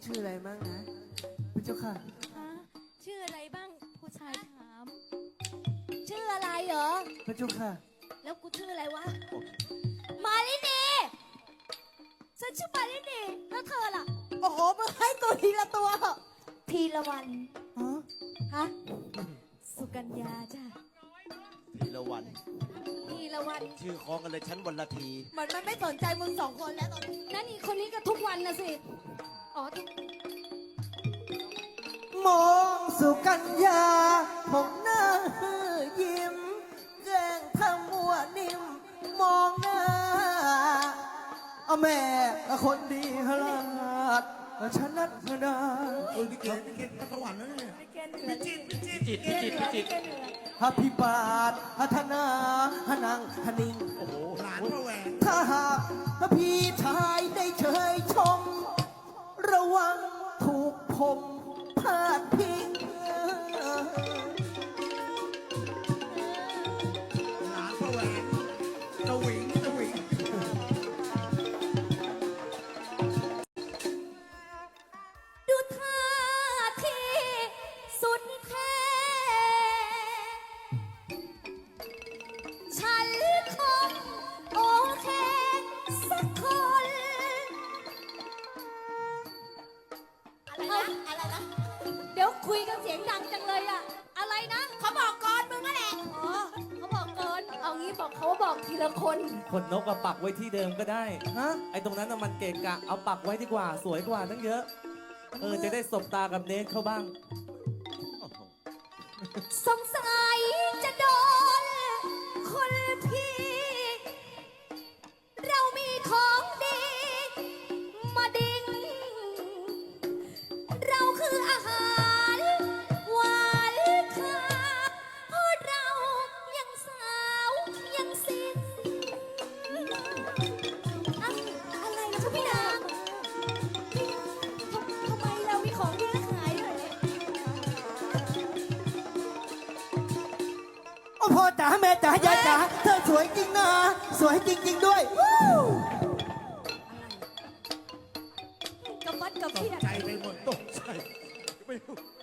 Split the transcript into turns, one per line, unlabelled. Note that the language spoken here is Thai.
ชื่ออะไรบ้างนะพระเจ้าค่ะ
ฮะชื่ออะไรบ้างผู้ชายถาม ชื่ออะไรเหรอ
พระเจ้าค่ะ
แล้วกูชื่ออะไรวะ มาลินีฉันชื่อมาลินีแล้วเธอล่ะ
โอ้โหมึงให้ตัวทีละตัว
พีละวัน
ฮะ
ฮะสุกัญญาจ้ะ
ทีละวัน
พีละวัน
ชื่อคล้องกันเลยชั้นวันละที
เหมือนมันไม่สนใจมึง2 คนแล้วตอนนี้
นั่นอีกคนนี้ก็ทุกวันนะสิอ๋อทุก
มองสุกัญญาผมหน้ายิ้มแกล้งทำมัวนิ่มมองหน้าเอาแม่คนดีฮลาดฉันนัดพนา
พี่เกณฑ์สวรรค์แล้วเนี่ย
จิตจิต
ฮัพิบาทฮัทนาฮนังฮนิง
โอ้โห
หลานพระแหวน
ถ้าหากพี่ชายได้เชยชม ระวังถูกผมพาดพิง
หลานพระแหวนตะหวิงตะหวิง
ดูท่าทีสุดแท้ ฉันคงโอเคสักคน
อะไรนะ
เดี๋ยวคุยกันเสียงดังจังเลยอะอะไรนะ
เขาบอกก่อนมึงนั่นแหละ
อ๋อเขาบอกเกิน เอางี้บอกเขาบอกทีละคน
ขนนกอะปักไว้ที่เดิมก็ได้
ฮะ
ไอ้ตรงนั้นน่ะมันเกะกะ เอาปักไว้ดีกว่า สวยกว่าตั้งเยอะ จะได้สบตากับเนทเขาบ้าง
สงสัยจะโดนคนพี่ เรามีของดี มาดิ้ง เราคืออาหารหวานค่าเพราะเรายังสาวยังสิ้นอะอะไรนะคะพี่นางทำไมเรามีของดีขายด้วยเนี่ย
โอ้พ่อจ๋าแม่จ๋ายายจ๋าเธอสวยจริงนะ สวยจริง ๆ ด้วยวู้
กับวัดกับ
ต
เพี
ก
ยร
ใจไปหมดตกใจไม่รู้